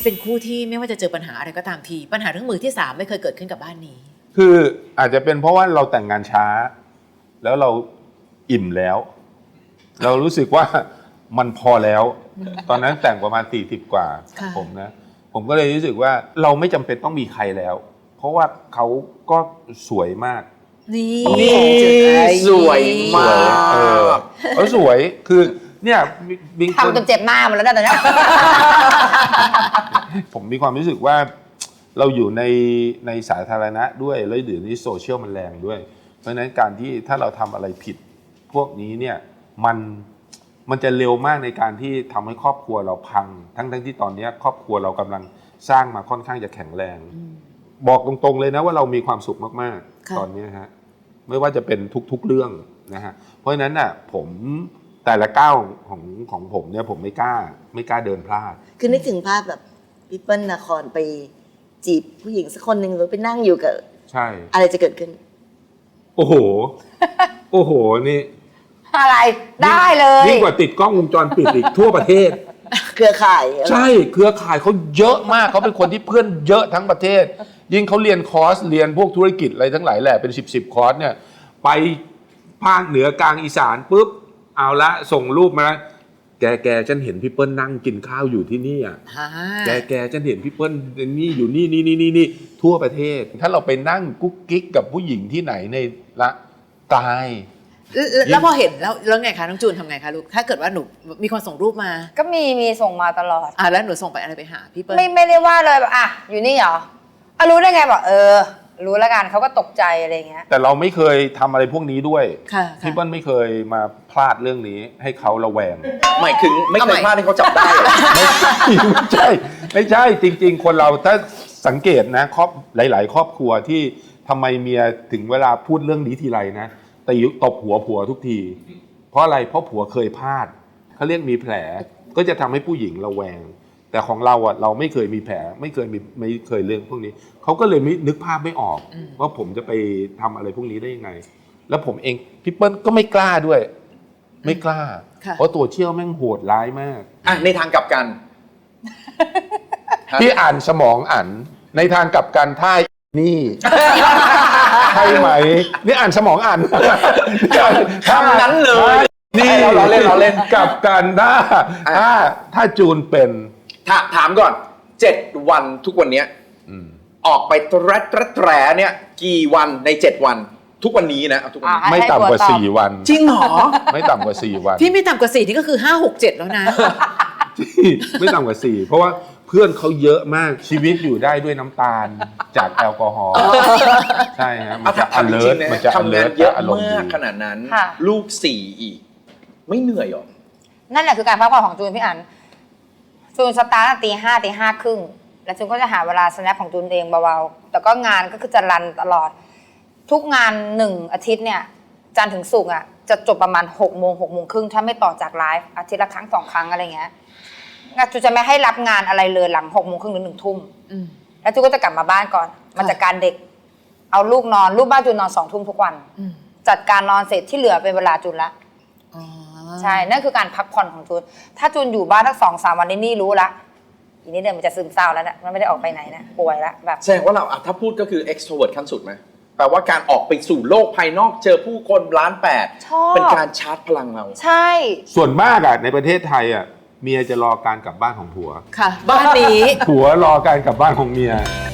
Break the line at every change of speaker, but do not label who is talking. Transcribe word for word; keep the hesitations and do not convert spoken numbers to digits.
เป็นคู่ที่ไม่ว่าจะเจอปัญหาอะไรก็ตามทีปัญหาเรื่องมือที่สามไม่เคยเกิดขึ้นกับบ้านนี้
คืออาจจะเป็นเพราะว่าเราแต่งงานช้าแล้วเราอิ่มแล้ว เรารู้สึกว่ามันพอแล้วตอนนั้นแต่งประมาณสี่สิบกว่าผมนะผมก็เลยรู้สึกว่าเราไม่จำเป็นต้องมีใครแล้วเพราะว่าเขาก็สวยมาก
นี่
สวยมาก
เออเขาสวยคือเนี่ยบิ๊ก
ทำจนเจ็บหน้ามันแล้วนะตอนนี้
ผมมีความรู้สึกว่าเราอยู่ในในสาธารณะด้วยแล้วเดี๋ยวนี้โซเชียลมันแรงด้วยเพราะฉะนั้นการที่ถ้าเราทำอะไรผิดพวกนี้เนี่ยมันมันจะเร็วมากในการที่ทำให้ครอบครัวเราพังทั้งทั้งที่ตอนนี้ครอบครัวเรากำลังสร้างมาค่อนข้างจะแข็งแรงบอกตรงๆเลยนะว่าเรามีความสุขมากๆตอนนี้ฮะไม่ว่าจะเป็นทุกๆเรื่องนะฮะเพราะฉะนั้นน่ะผมแต่ละก้าวของของผมเนี่ยผมไม่กล้าไม่กล้าเดินพลาด
คือนึกถึงภาพแบบพี่เปิ้ลนาครไปจีบผู้หญิงสักคนหนึ่งหรือไปนั่งอยู่กับ
ใช่
อะไรจะเกิดขึ้น
โอ้โหโอ้โหนี่
อะไรได้เลย
ยิ่งกว่าติดกล้องวงจรปิดอีกทั่วประเทศ
เครือข่าย
ใช่เครือข่ายเขาเยอะมากเขาเป็นคนที่เพื่อนเยอะทั้งประเทศยิ่งเขาเรียนคอร์สเรียนพวกธุรกิจอะไรทั้งหลายแหละเป็นสิบสิบคอร์สเนี่ยไปภาคเหนือกลางอีสานปุ๊บเอาละส่งรูปมาแกแกฉันเห็นพี่เปิ้ลนั่งกินข้าวอยู่ที่นี่อ่ะแกแกฉันเห็นพี่เปิ้ลนี่อยู่นี่นี่นี่นี่นี่ทั่วประเทศถ้าเราไปนั่งกุ๊กกิ๊กกับผู้หญิงที่ไหนในละตาย
แล้วพอเห็นแล้วแล้วไงคะน้องจูนทำไงคะลูกถ้าเกิดว่าหนูมีคนส่งรูปมา
ก็มีมีส่งมาตลอด
อ่ะแล้วหนูส่งไปอะไรไปหาพี่เปิ้ล
ไม่ไม่ได้ว่าเลยแบบอ่ะอยู่นี่เหรออ่ะรู้ได้ไงบอกเออรู้แล้วกันเขาก็ตกใจอะไรเงี้ย
แต่เราไม่เคยทำอะไรพวกนี้ด้วยพี่เปิ้ลไม่เคยมาพลาดเรื่องนี้ให้เขาระแวง
หมายถึงไม่เคยพลาดให้เขาจับได้
ไม่ใช่ไม่ใช่จริงๆคนเราถ้าสังเกตนะครอบหลายๆครอบครัวที่ทำไมเมียถึงเวลาพูดเรื่องนี้ทีไรนะแต่ตบหัวผัวทุกทีเพราะอะไรเพราะผัวเคยพลาดเขาเรียกมีแผลก็จะทำให้ผู้หญิงระแวงแต่ของเราอ่ะเราไม่เคยมีแผลไม่เคยมีไม่เคยเรื่องพวกนี้เขาก็เลยไม่นึกภาพไม่ออกว่าผมจะไปทำอะไรพวกนี้ได้ยังไงแล้วผมเองพี่เปิ้ลก็ไม่กล้าด้วยไม่กล้าเพราะตัวเชี่ยวแม่งโหดร้ายมาก
อ่ะในทางกลับกัน
ที่อ่านสมองอ่านในทางกลับกันถ้านี่ใช่ไหมนี่อ่านสมองอ่าน
คำนั้นเลย
นี่เราเล่นเราเล่นกลับกันถ้าถ้าถ้าจูนเป็น
ถามก่อนเจ็ดวันทุกวันนี้ออกไปตระตระแตรเนี่ยกี่วันในเจ็ดวันทุกวันนี้นะทุกวัน
ไม่ต่ำกว่าสี่วัน
จริงเหรอ
ไม่ต่ำกว่าสี่วัน
พี่ไม่ต่ำกว่าสี่นี่ก็คือห้าหกเจ็ดแล้วนะ
ไม่ต่ำกว่าสี่เพราะว่าเพื่อนเขาเยอะมากชีวิตอยู่ได้ด้วยน้ำตาลจากแอลกอฮอล์ใช่ฮะมันจะ alert มันจะ alert
เยอะมากขนาดนั้นลูกสี่อีกไม่เหนื่อยหรอ
นั่นแหละคือการพักผ่อนของจูนพี่อั๋นจูนสตาร์ทตีห้าตีห้าครึ่งแล้วจูนก็จะหาเวลาสแนปของจูนเองเบาๆแต่ก็งานก็คือจะรันตลอดทุกงานหนึ่งอาทิตย์เนี่ยจันทร์ถึงศุกร์อ่ะจะจบประมาณหกโมงหกโมงครึ่งถ้าไม่ต่อจากไลฟ์อาทิตย์ละครั้งสองครั้งอะไรเงี้ยจูจะไม่ให้รับงานอะไรเลยหลังหกโมงครึ่งหรือหนึ่งทุ่มแล้วจูก็จะกลับมาบ้านก่อนมาจัดการเด็กเอาลูกนอนลูกบ้านจูนอนสองทุ่มทุกวันจัดการนอนเสร็จที่เหลือเป็นเวลาจูนละใช่นั่นคือการพักผ่อนของจูนถ้าจูนอยู่บ้านทั้งสองสามวันนี้นี่รู้ละอีนี้เดินมันจะซึมเศร้าแล้วนะมันไม่ได้ออกไปไหนนะป่วยละแบบ
แสดงว่าเราถ้าพูดก็คือ extrovert ขั้นสุดไหมแปลว่าการออกไปสู่โลกภายนอกเจอผู้คนล้านแปดเป็นการชาร์จพลังเรา
ใช่
ส่วนมากอ่ะในประเทศไทยอ่ะเมียจะรอการกลับบ้านของผัว
ค่ะบ้านนี้
ผัวรอการกลับบ้านของเมีย